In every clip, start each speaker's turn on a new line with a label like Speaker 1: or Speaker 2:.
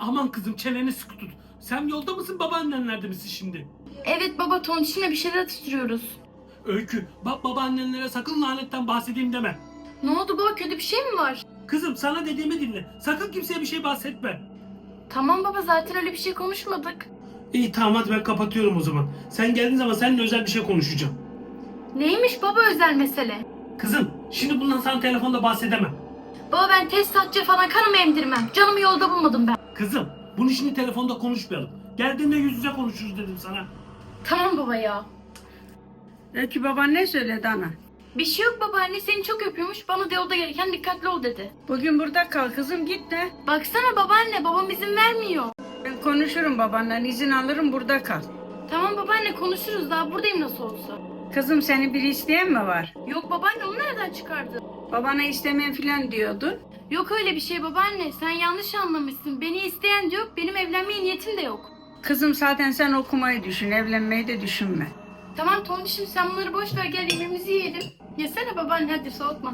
Speaker 1: Aman kızım çeneni sıkı tut. Sen yolda mısın, babaannenlerde misin şimdi?
Speaker 2: Evet baba, tontişimle bir şeyler atıştırıyoruz.
Speaker 1: Öykü, bak babaannenlere sakın lanetten bahsedeyim deme.
Speaker 2: Ne oldu baba, kötü bir şey mi var?
Speaker 1: Kızım sana dediğimi dinle. Sakın kimseye bir şey bahsetme.
Speaker 2: Tamam baba, zaten öyle bir şey konuşmadık.
Speaker 1: İyi tamam, hadi ben kapatıyorum o zaman. Sen geldiğin zaman seninle özel bir şey konuşacağım.
Speaker 2: Neymiş baba özel mesele?
Speaker 1: Kızım şimdi bundan sana telefonda bahsedemem.
Speaker 2: Baba ben tesisatçı falan kanımı emdirmem. Canımı yolda bulmadım ben.
Speaker 1: Kızım bunu şimdi telefonda konuşmayalım. Geldiğinde yüz yüze konuşuruz dedim sana.
Speaker 2: Tamam baba ya.
Speaker 3: Öykü baban ne söyledi ana?
Speaker 2: Bir şey yok babaanne, seni çok öpüyormuş. Bana da yolda gelirken dikkatli ol dedi.
Speaker 3: Bugün burada kal kızım, git de.
Speaker 2: Baksana babaanne, babam izin vermiyor.
Speaker 3: Ben konuşurum babanla, izin alırım, burada kal.
Speaker 2: Tamam babaanne, konuşuruz, daha buradayım nasıl olsa.
Speaker 3: Kızım seni biri isteyen mi var?
Speaker 2: Yok babaanne, onu nereden çıkardın?
Speaker 3: Babana istemem filan diyordun.
Speaker 2: Yok öyle bir şey babaanne, sen yanlış anlamışsın. Beni isteyen de yok, benim evlenmeye niyetim de yok.
Speaker 3: Kızım zaten sen okumayı düşün, evlenmeyi de düşünme.
Speaker 2: Tamam tontişim, sen bunları boş ver, gel yemeğimizi yiyelim. Yesene babaanne, hadi soğutma.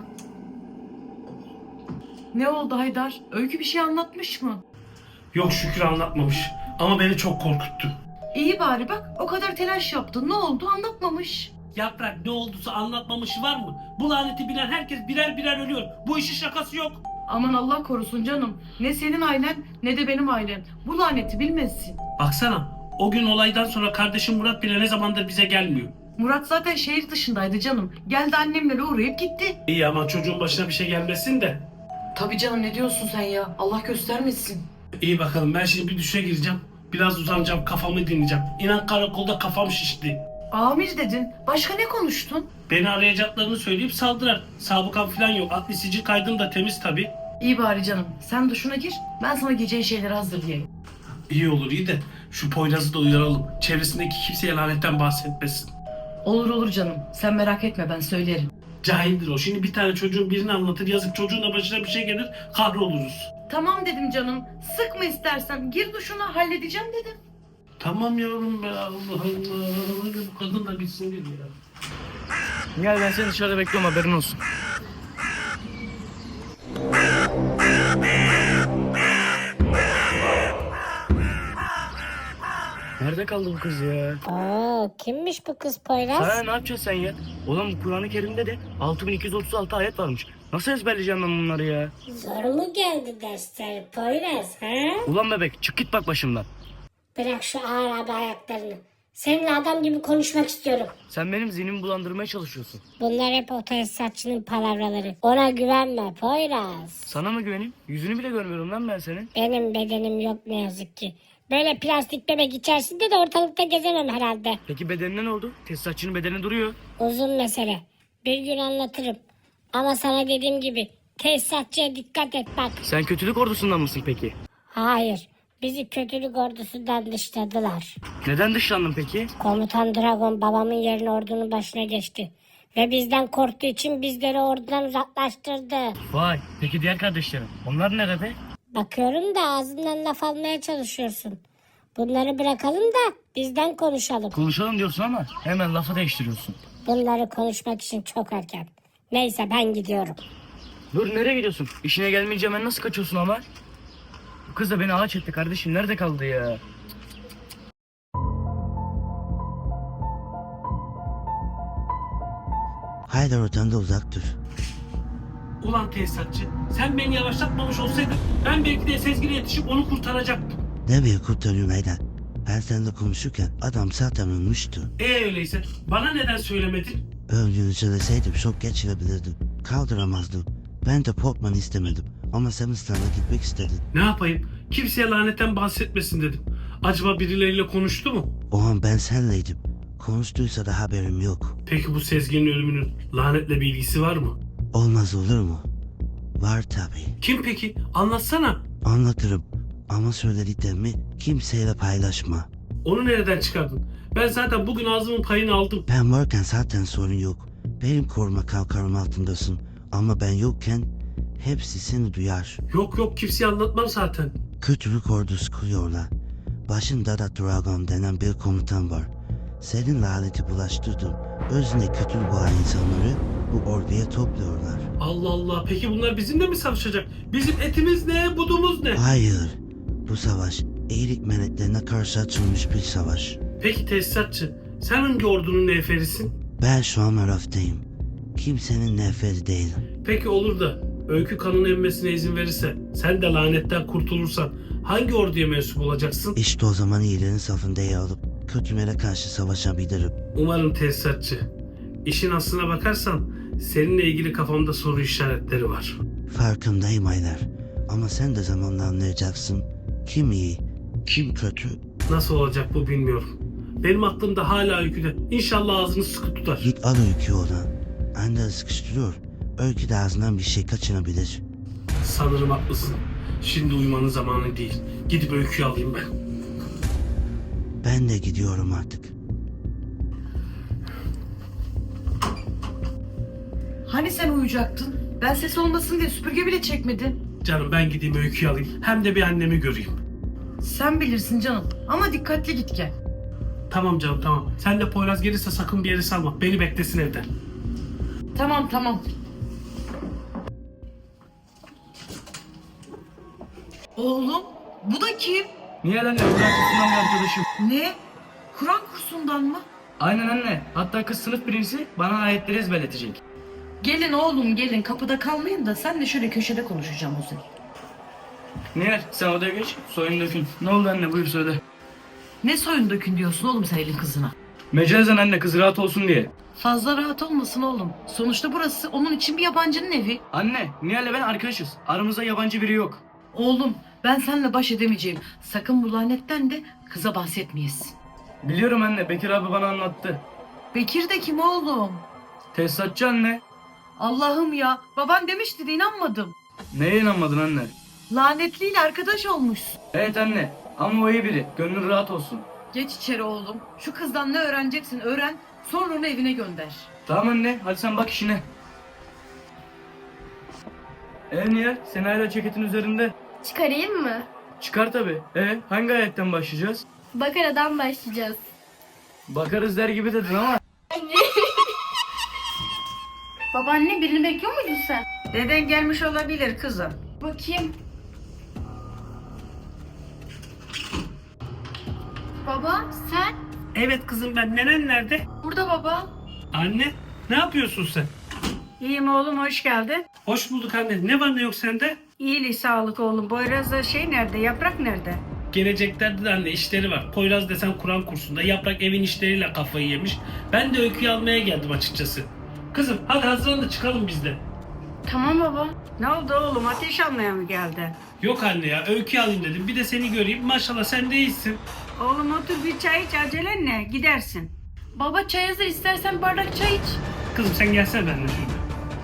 Speaker 4: Ne oldu Haydar? Öykü bir şey anlatmış mı?
Speaker 1: Yok şükür anlatmamış. Ama beni çok korkuttu.
Speaker 4: İyi bari bak, o kadar telaş yaptın. Ne oldu anlatmamış.
Speaker 1: Yaprak ne olduysa anlatmamışı var mı? Bu laneti bilen herkes birer birer ölüyor. Bu işin şakası yok.
Speaker 4: Aman Allah korusun canım. Ne senin ailen ne de benim ailem. Bu laneti bilmezsin.
Speaker 1: Baksana o gün olaydan sonra kardeşim Murat bile ne zamandır bize gelmiyor.
Speaker 4: Murat zaten şehir dışındaydı canım. Geldi annemlere uğrayıp gitti.
Speaker 1: İyi ama çocuğun başına bir şey gelmesin de.
Speaker 4: Tabii canım, ne diyorsun sen ya? Allah göstermesin.
Speaker 1: İyi bakalım, ben şimdi bir duşa gireceğim. Biraz uzanacağım, kafamı dinleyeceğim. İnan karakolda kafam şişti.
Speaker 4: Amir dedin. Başka ne konuştun?
Speaker 1: Beni arayacaklarını söyleyip saldırar. Sabıkam falan yok. Adli sicil kaydım da temiz tabii.
Speaker 4: İyi bari canım. Sen duşuna gir. Ben sana geceye şeyleri hazırlayayım.
Speaker 1: İyi olur iyi de şu Poyraz'ı da uyaralım. Çevresindeki kimseye lanetten bahsetmesin.
Speaker 4: Olur olur canım. Sen merak etme, ben söylerim.
Speaker 1: Cahildir o. Şimdi bir tane çocuğun birini anlatır. Yazık çocuğun da başına bir şey gelir. Kahroluruz.
Speaker 4: Tamam dedim canım. Sıkma istersen. Gir duşuna, halledeceğim dedim.
Speaker 1: Tamam yavrum be, Allah Allah. Bu kadın da bitsin bir ya.
Speaker 5: Gel, ben seni dışarıda bekliyorum, haberin olsun. Nerede kaldı bu kız ya?
Speaker 6: Kimmiş bu kız Poyraz?
Speaker 5: Sana ne yapacaksın sen ya? Ulan bu Kur'an-ı Kerim'de de 6236 ayet varmış. Nasıl ezberleyeceğim ben bunları ya?
Speaker 6: Zor mu geldi dersler Poyraz ha?
Speaker 5: Ulan bebek, çık git bak başımdan.
Speaker 6: Bırak şu ağır abi ayaklarını. Seninle adam gibi konuşmak istiyorum.
Speaker 5: Sen benim zihnimi bulandırmaya çalışıyorsun.
Speaker 6: Bunlar hep o tesisatçının palavraları. Ona güvenme Poyraz.
Speaker 5: Sana mı güveneyim? Yüzünü bile görmüyorum lan ben senin.
Speaker 6: Benim bedenim yok ne yazık ki. Böyle plastik bebek içerisinde de ortalıkta gezemem herhalde.
Speaker 5: Peki bedenine ne oldu? Tesisatçının bedeni duruyor.
Speaker 6: Uzun mesele. Bir gün anlatırım. Ama sana dediğim gibi tesisatçıya dikkat et bak.
Speaker 5: Sen kötülük ordusundan mısın peki?
Speaker 6: Hayır. Bizi kötülük ordusundan dışladılar.
Speaker 5: Neden dışlandın peki?
Speaker 6: Komutan Dragon babamın yerine ordunun başına geçti. Ve bizden korktuğu için bizleri ordudan uzaklaştırdı.
Speaker 5: Vay, peki diğer kardeşlerim? Onlar nerede?
Speaker 6: Bakıyorum da ağzından laf almaya çalışıyorsun. Bunları bırakalım da bizden konuşalım.
Speaker 5: Konuşalım diyorsun ama hemen lafı değiştiriyorsun.
Speaker 6: Bunları konuşmak için çok erken. Neyse ben gidiyorum.
Speaker 5: Dur, nereye gidiyorsun? İşine gelmeyeceğim, ben nasıl kaçıyorsun ama? Bu kız da beni ağaç etti kardeşim, nerede kaldı ya?
Speaker 7: Haydar oradan da uzak dur.
Speaker 1: Ulan tesisatçı, sen beni yavaşlatmamış olsaydın ben belki de Sezgin'e yetişip onu kurtaracaktım.
Speaker 7: Nereye kurtarıyorsun Haydar? Ben seninle konuşurken adam zaten ölmüştü.
Speaker 1: Öyleyse bana neden söylemedin?
Speaker 7: Öldüğünü söyleseydim şok geçirebilirdim. Kaldıramazdım. Ben de Portman'ı istemedim. Ama sen İstanbul'a gitmek istedin.
Speaker 1: Ne yapayım? Kimseye lanetten bahsetmesin dedim. Acaba birileriyle konuştu mu?
Speaker 7: O an ben senleydim. Konuştuysa da haberim yok.
Speaker 1: Peki bu Sezgin'in ölümünün lanetle bir ilgisi var mı?
Speaker 7: Olmaz olur mu? Var tabii.
Speaker 1: Kim peki? Anlatsana.
Speaker 7: Anlatırım. Ama söylediklerimi kimseyle paylaşma.
Speaker 1: Onu nereden çıkardın? Ben zaten bugün ağzımın payını aldım.
Speaker 7: Ben varken zaten sorun yok. Benim koruma kalkarım altındasın. Ama ben yokken hepsi seni duyar.
Speaker 1: Yok yok, kimseye anlatmam zaten.
Speaker 7: Kötülük ordusu kuruyorlar. Başında da Dragon denen bir komutan var. Senin laneti bulaştırdın. Özüne kötülük olan insanları bu orduya topluyorlar.
Speaker 1: Allah Allah, peki bunlar bizimle mi savaşacak? Bizim etimiz ne, budumuz ne?
Speaker 7: Hayır. Bu savaş iyilik meleklerine karşı açılmış bir savaş.
Speaker 1: Peki tesisatçı, sen hangi ordunun neferisin?
Speaker 7: Ben şu an Araf'tayım. Kimsenin neferi değilim.
Speaker 1: Peki olur da Öykü kanını emmesine izin verirse, sen de lanetten kurtulursan hangi orduya mensup olacaksın?
Speaker 7: İşte o zaman iyilerin safında yer alıp kötülere karşı savaşabilirim.
Speaker 1: Umarım tesisatçı. İşin aslına bakarsan seninle ilgili kafamda soru işaretleri var.
Speaker 7: Farkındayım Aylar. Ama sen de zamanla anlayacaksın. Kim iyi, kim kötü.
Speaker 1: Nasıl olacak bu bilmiyorum. Benim aklımda hala Öykü'de. İnşallah ağzını sıkı tutar.
Speaker 7: Git al Öykü oradan. Anne sıkıştırıyor. Öykü de ağzından bir şey kaçırabilir.
Speaker 1: Sanırım haklısın. Şimdi uyumanın zamanı değil. Gidip Öykü'yü alayım ben.
Speaker 7: Ben de gidiyorum artık.
Speaker 4: Hani sen uyuyacaktın? Ben ses olmasın diye süpürge bile çekmedin.
Speaker 1: Canım ben gideyim Öykü'yü alayım. Hem de bir annemi göreyim.
Speaker 4: Sen bilirsin canım. Ama dikkatli git gel.
Speaker 1: Tamam canım tamam. Sen de Poyraz gelirse sakın bir yere salma. Beni beklesin evde.
Speaker 4: Tamam tamam. Oğlum bu da kim?
Speaker 5: Niye anne? Kur'an kursundan bir arkadaşım.
Speaker 4: Ne? Kur'an kursundan mı?
Speaker 5: Aynen anne. Hatta kız sınıf birincisi bana ayetleri ezberletecek.
Speaker 4: Gelin oğlum gelin kapıda kalmayın da sen de şöyle köşede konuşacağım o zaman.
Speaker 5: Nihal sen odaya geç. Soyun dökün. Ne oldu anne buyur söyle.
Speaker 4: Ne soyun dökün diyorsun oğlum sen elin kızına?
Speaker 5: Mecazen anne kız rahat olsun diye.
Speaker 4: Fazla rahat olmasın oğlum. Sonuçta burası onun için bir yabancının evi.
Speaker 5: Anne Nihal'le ben arkadaşız. Aramızda yabancı biri yok.
Speaker 4: Oğlum ben seninle baş edemeyeceğim. Sakın bu lanetten de kıza bahsetmeyesin.
Speaker 5: Biliyorum anne Bekir abi bana anlattı.
Speaker 4: Bekir de kim oğlum?
Speaker 5: Tesisatçı anne.
Speaker 4: Allah'ım ya. Baban demişti de inanmadım.
Speaker 5: Neye inanmadın anne?
Speaker 4: Lanetliyle arkadaş olmuşsun.
Speaker 5: Evet anne ama o iyi biri. Gönlün rahat olsun.
Speaker 4: Geç içeri oğlum. Şu kızdan ne öğreneceksin öğren. Sonra onu evine gönder.
Speaker 5: Tamam anne hadi sen bak işine. Nihal sen hala ceketin üzerinde.
Speaker 2: Çıkarayım mı?
Speaker 5: Çıkar tabi. Hangi ayetten başlayacağız?
Speaker 2: Bakara'dan başlayacağız.
Speaker 5: Bakarız der gibi dedin ama.
Speaker 2: Babaanne birini bekliyor muydun sen?
Speaker 3: Deden gelmiş olabilir kızım.
Speaker 2: Bakayım. Baba sen?
Speaker 1: Evet kızım ben. Nenen nerede?
Speaker 2: Burada baba.
Speaker 1: Anne ne yapıyorsun sen?
Speaker 3: İyiyim oğlum, hoş geldin.
Speaker 1: Hoş bulduk anne. Ne var ne yok sende?
Speaker 3: İyilik sağlık oğlum. Boyraz'da nerede? Yaprak nerede?
Speaker 1: Geleceklerde de anne işleri var. Poyraz desen Kur'an kursunda. Yaprak evin işleriyle kafayı yemiş. Ben de Öykü'yü almaya geldim açıkçası. Kızım hadi hazırlan da çıkalım biz de.
Speaker 2: Tamam baba.
Speaker 3: Ne oldu oğlum? Ateş almaya mı geldi?
Speaker 1: Yok anne ya Öykü'yü alayım dedim. Bir de seni göreyim. Maşallah sen de iyisin.
Speaker 3: Oğlum otur bir çay iç, acelen ne? Gidersin.
Speaker 2: Baba çay hazır, istersen bardak çay iç.
Speaker 1: Kızım sen gelsene benimle şurada.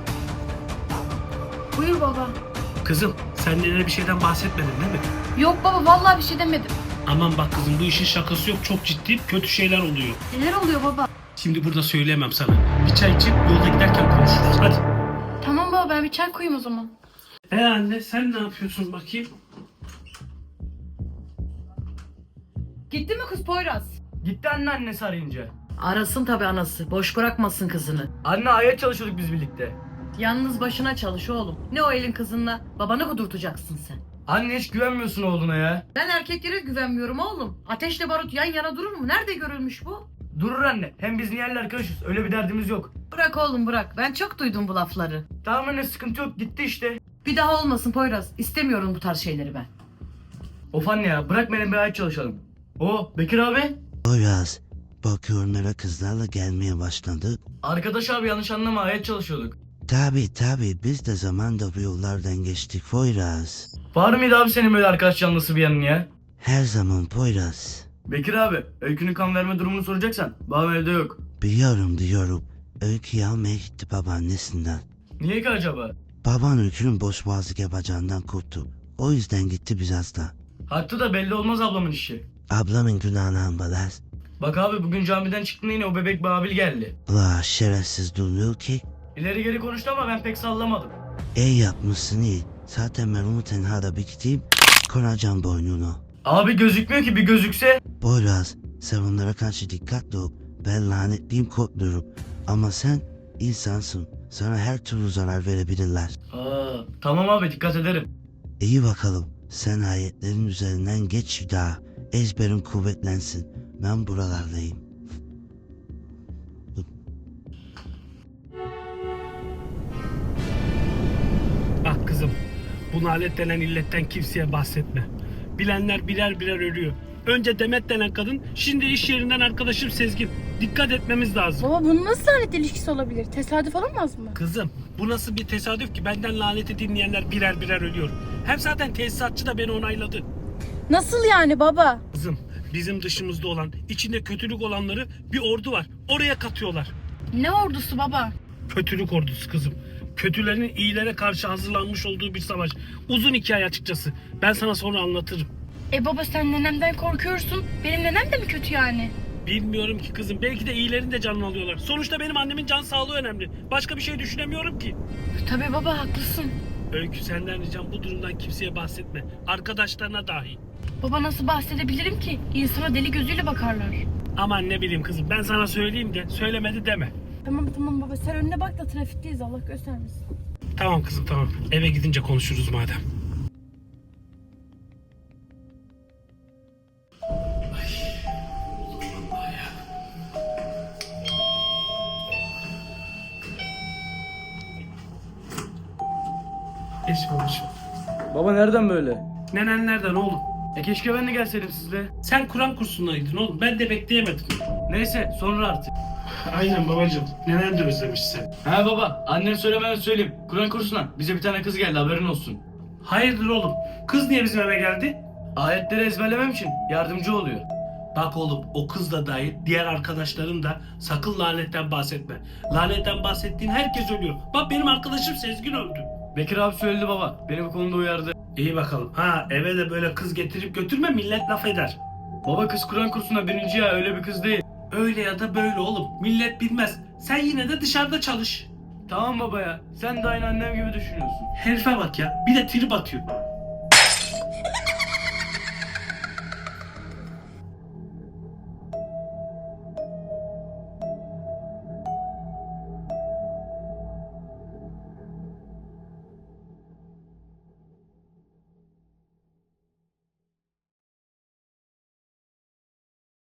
Speaker 2: Buyur baba.
Speaker 1: Kızım sen nenene bir şeyden bahsetmedin değil mi?
Speaker 2: Yok baba vallahi bir şey demedim.
Speaker 1: Aman bak kızım bu işin şakası yok. Çok ciddi kötü şeyler oluyor.
Speaker 2: Neler oluyor baba?
Speaker 1: Şimdi burada söyleyemem sana. Bir çay içip yolda giderken konuşuruz. Hadi.
Speaker 2: Tamam baba ben bir çay koyayım o zaman.
Speaker 1: Anne sen ne yapıyorsun bakayım?
Speaker 4: Gitti mi kız Poyraz?
Speaker 5: Gitti anne annesi arayınca.
Speaker 4: Arasın tabi anası. Boş bırakmasın kızını.
Speaker 5: Anne ayet çalışıyorduk biz birlikte.
Speaker 4: Yalnız başına çalış oğlum. Ne o elin kızınla? Babanı kudurtacaksın sen.
Speaker 5: Anne hiç güvenmiyorsun oğluna ya.
Speaker 4: Ben erkeklere güvenmiyorum oğlum. Ateşle barut yan yana durur mu? Nerede görülmüş bu?
Speaker 5: Durur anne. Hem biz Nihal'le arkadaşız. Öyle bir derdimiz yok.
Speaker 4: Bırak oğlum bırak. Ben çok duydum bu lafları.
Speaker 5: Tamam anne sıkıntı yok. Gitti işte.
Speaker 4: Bir daha olmasın Poyraz. İstemiyorum bu tarz şeyleri ben.
Speaker 5: Of anne ya bırak benim bir ayet çalışalım. Bekir abi.
Speaker 7: Poyraz, bakıyorum eve kızlarla gelmeye başladı.
Speaker 5: Arkadaş abi yanlış anlama ayet çalışıyorduk.
Speaker 7: Tabi biz de zamanda bu yollardan geçtik Poyraz.
Speaker 5: Var mıydı abi senin böyle arkadaş canlısı bir yanın ya?
Speaker 7: Her zaman Poyraz.
Speaker 5: Bekir abi Öykü'nün kan verme durumunu soracaksan babam evde yok.
Speaker 7: Biliyorum. Öykü'yü almaya gitti babaannesinden.
Speaker 5: Niye ki acaba?
Speaker 7: Baban Öykü'nün boş boğazlık yapacağından korktu. O yüzden gitti biraz da.
Speaker 5: Haklı da belli olmaz ablamın işi.
Speaker 7: Ablamın günahını ambalaz.
Speaker 5: Bak abi bugün camiden çıktığında yine o bebek Babil geldi.
Speaker 7: La şerefsiz durmuyor ki.
Speaker 5: İleri geri konuştu ama ben pek sallamadım.
Speaker 7: İyi yapmışsın iyi. Zaten ben onu tenhada bir gideyim. Konacağım boynunu.
Speaker 5: Abi gözükmüyor ki bir gözükse.
Speaker 7: Poyraz sen onlara karşı dikkatli ol. Ben lanetliyim korkmuyorum. Ama sen insansın. Sana her türlü zarar verebilirler.
Speaker 5: Tamam abi dikkat ederim.
Speaker 7: İyi bakalım. Sen ayetlerin üzerinden geç bir daha. Ezberin kuvvetlensin. Ben buralardayım.
Speaker 1: Bak kızım, bu nalet denen illetten kimseye bahsetme. Bilenler birer birer ölüyor. Önce Demet denen kadın, şimdi iş yerinden arkadaşım Sezgin. Dikkat etmemiz lazım.
Speaker 2: Baba bunun nasıl lanet ilişkisi olabilir? Tesadüf olamaz mı?
Speaker 1: Kızım, bu nasıl bir tesadüf ki benden laneti dinleyenler birer birer ölüyor. Hem zaten tesisatçı da beni onayladı.
Speaker 2: Nasıl yani baba?
Speaker 1: Kızım, bizim dışımızda olan, içinde kötülük olanları bir ordu var. Oraya katıyorlar.
Speaker 2: Ne ordusu baba?
Speaker 1: Kötülük ordusu kızım. Kötülerin iyilere karşı hazırlanmış olduğu bir savaş. Uzun hikaye açıkçası. Ben sana sonra anlatırım.
Speaker 2: Baba sen nenemden korkuyorsun. Benim nenem de mi kötü yani?
Speaker 1: Bilmiyorum ki kızım. Belki de iyilerin de canını alıyorlar. Sonuçta benim annemin can sağlığı önemli. Başka bir şey düşünemiyorum ki.
Speaker 2: Tabii baba haklısın.
Speaker 1: Öykü, senden ricam bu durumdan kimseye bahsetme. Arkadaşlarına dahi.
Speaker 2: Baba nasıl bahsedebilirim ki? İnsana deli gözüyle bakarlar.
Speaker 1: Aman ne bileyim kızım, ben sana söyleyeyim de söylemedi deme.
Speaker 2: Tamam baba sen önüne bak da trafikteyiz Allah göstermesin.
Speaker 1: Tamam kızım, tamam. Eve gidince konuşuruz madem. Geç babacığım.
Speaker 5: Baba nereden böyle?
Speaker 1: Nenen nereden oğlum?
Speaker 5: Keşke ben de gelseydim sizle.
Speaker 1: Sen Kur'an kursundaydın oğlum. Ben de bekleyemedim.
Speaker 5: Neyse sonra artık.
Speaker 1: Aynen babacığım. Nenen de özlemiş seni.
Speaker 5: Ha baba, annem söylemeden söyleyeyim. Kur'an kursuna bize bir tane kız geldi, haberin olsun.
Speaker 1: Hayırdır oğlum? Kız niye bizim eve geldi?
Speaker 5: Ayetleri ezberlemem için yardımcı oluyor.
Speaker 1: Bak oğlum, o kız da dahil diğer arkadaşların da sakın lanetten bahsetme. Lanetten bahsettiğin herkes ölüyor. Bak benim arkadaşım Sezgin öldü.
Speaker 5: Bekir abi söyledi baba, beni bu konuda uyardı.
Speaker 1: İyi bakalım. Ha, eve de böyle kız getirip götürme, millet laf eder.
Speaker 5: Baba kız Kur'an kursuna 1. ya, öyle bir kız değil.
Speaker 1: Öyle ya da böyle oğlum. Millet bilmez. Sen yine de dışarıda çalış.
Speaker 5: Tamam baba ya, sen de aynı annem gibi düşünüyorsun.
Speaker 1: Herife bak ya. Bir de trip atıyor.